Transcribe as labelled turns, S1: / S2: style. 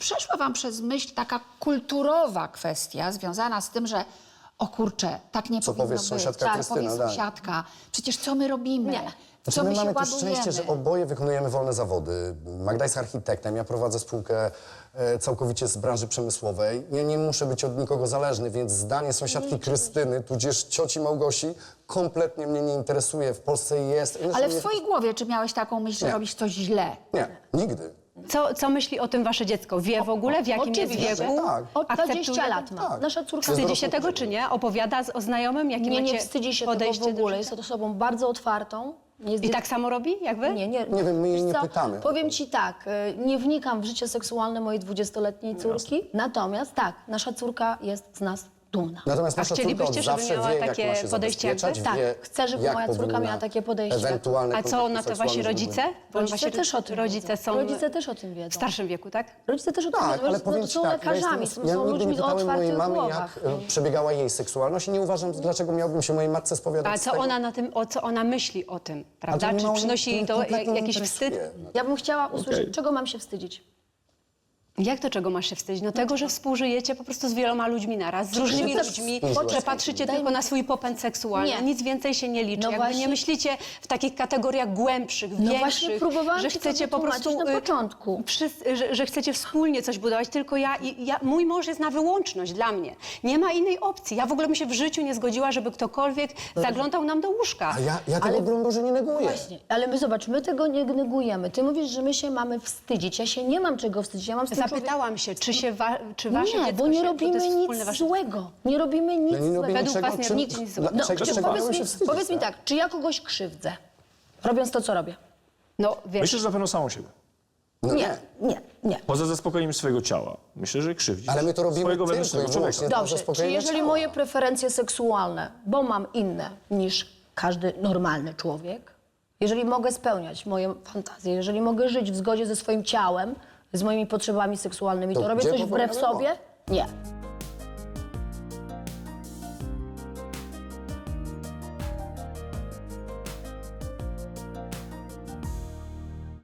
S1: przeszła wam przez myśl taka kulturowa kwestia związana z tym, że o kurczę, tak nie powinno
S2: powie
S1: być.
S2: sąsiadka
S1: Tak,
S2: Krystyna,
S1: powie
S2: tak.
S1: sąsiadka. Przecież co my robimy?
S3: Nie.
S1: W co
S2: Znaczy, my
S1: my się
S2: mamy też
S1: ładujemy?
S2: szczęście, że oboje wykonujemy wolne zawody. Magda jest architektem, ja prowadzę spółkę całkowicie z branży przemysłowej. Ja nie muszę być od nikogo zależny, więc zdanie sąsiadki Krystyny, tudzież cioci Małgosi, kompletnie mnie nie interesuje. W Polsce jest...
S1: Ale w swojej głowie czy miałeś taką myśl, że
S2: Nie.
S1: robisz coś źle?
S2: Nie, nigdy.
S3: Co myśli o tym wasze dziecko? Wie w ogóle, w jakim jest
S1: oczywiście.
S3: wieku?
S2: Tak.
S1: Od 20
S3: Akceptuje?
S1: lat ma.
S2: Tak.
S1: Nasza córka
S2: Jest
S3: Wstydzi się
S2: dorosłą
S3: tego, czy nie? Opowiada o znajomym, jakie
S1: nie
S3: macie
S1: wstydzi się tego
S3: podejście
S1: w ogóle.
S3: do
S1: Jest
S3: życia?
S1: osobą bardzo otwartą.
S3: I tak samo robi, jak wy?
S1: Nie
S2: wiem, my jej
S1: Wiesz
S2: nie
S1: co?
S2: pytamy.
S1: Powiem ci tak, nie wnikam w życie seksualne mojej 20-letniej córki, natomiast tak, nasza córka jest z nas dumna.
S2: Natomiast
S3: A
S2: nasza córka od
S3: chcielibyście, żeby
S2: zawsze
S3: miała
S2: wie, jak
S3: takie
S2: ma się
S3: podejście jak wy?
S2: zabezpieczać, wie,
S1: Tak, chcę, żeby
S2: jak
S1: moja córka
S2: powinna
S1: miała takie podejście.
S2: ewentualne
S3: A co na to
S2: kontakty
S3: wasi
S2: seksualne
S3: rodzice? Bo
S1: Rodzice
S3: wasi
S1: też o tym
S3: rodzice
S1: wiedzą.
S3: są
S1: Rodzice też o tym wiedzą.
S3: w starszym wieku, tak?
S1: Rodzice też o tym
S2: Tak,
S1: wiedzą.
S2: ale powiem ci
S1: są
S2: tak,
S1: lekarzami,
S2: ja
S1: są
S2: nigdy
S1: ludźmi
S2: nie
S1: o
S2: pytałem mojej
S1: otwartych
S2: mamy,
S1: głowach.
S2: jak przebiegała jej seksualność i nie uważam, dlaczego miałbym się mojej matce spowiadać
S3: A
S2: z
S3: co
S2: tego.
S3: ona na tym, co ona myśli o tym, prawda?
S2: mnie
S3: Czy
S2: mało-
S3: przynosi jej to
S2: kompletnie nie
S3: jakiś
S2: interesuje.
S3: wstyd?
S1: Ja bym chciała usłyszeć, czego mam się wstydzić.
S3: Jak to czego masz się wstydzić? No tego, że współżyjecie po prostu z wieloma ludźmi naraz, z różnymi
S1: też
S3: ludźmi,
S2: współżyłaś
S3: że
S2: z
S3: patrzycie
S1: Daj
S3: tylko
S1: mi-
S3: na swój popęd seksualny,
S1: Nie.
S3: nic więcej się nie liczy.
S1: No
S3: Jakby
S1: właśnie-
S3: nie myślicie w takich kategoriach głębszych,
S1: No
S3: większych,
S1: właśnie próbowałam
S3: że
S1: ci to
S3: chcecie po
S1: wytłumaczyć
S3: prostu
S1: na początku.
S3: że chcecie wspólnie coś budować, tylko mój mąż jest na wyłączność dla mnie. Nie ma innej opcji. Ja w ogóle bym się w życiu nie zgodziła, żeby ktokolwiek zaglądał nam do łóżka.
S2: A ja tego, broń Boże, nie neguję.
S1: Właśnie, ale my zobacz, my tego nie negujemy. Ty mówisz, że my się mamy wstydzić. Ja się nie mam czego wstydzić. Ja mam z tym
S3: Zapytałam się, czy wasze
S1: Nie,
S3: dziecko
S1: bo nie
S3: się,
S1: robimy
S3: to jest
S1: nic
S3: wspólne wasze
S1: złego. Nie robimy nic
S2: Ja nie robię
S1: złego.
S3: Według
S2: niczego,
S3: was nie
S2: czym-
S3: robicie nic złego.
S2: dla- czego-
S1: czy
S2: czego
S1: powiedz
S2: mają się
S1: mi,
S2: wstydzić,
S1: powiedz mi tak, czy ja kogoś krzywdzę, robiąc to, co robię?
S3: No, wiesz,
S4: Myślę, że na pewno samą siebie.
S2: No
S1: Nie.
S4: Poza zaspokojeniem swojego ciała. Myślę, że krzywdzisz
S2: Ale my to robimy
S4: swojego
S2: tylko i
S4: wewnętrznego człowieka.
S2: wyłącznie dla
S1: Dobrze, czy
S2: zaspokojenia
S1: jeżeli
S2: ciała.
S1: moje preferencje seksualne, bo mam inne niż każdy normalny człowiek, jeżeli mogę spełniać moje fantazje, jeżeli mogę żyć w zgodzie ze swoim ciałem, z moimi potrzebami seksualnymi, to
S2: To
S1: robię
S2: gdzie
S1: coś wbrew
S2: powinno było?
S1: sobie? Nie.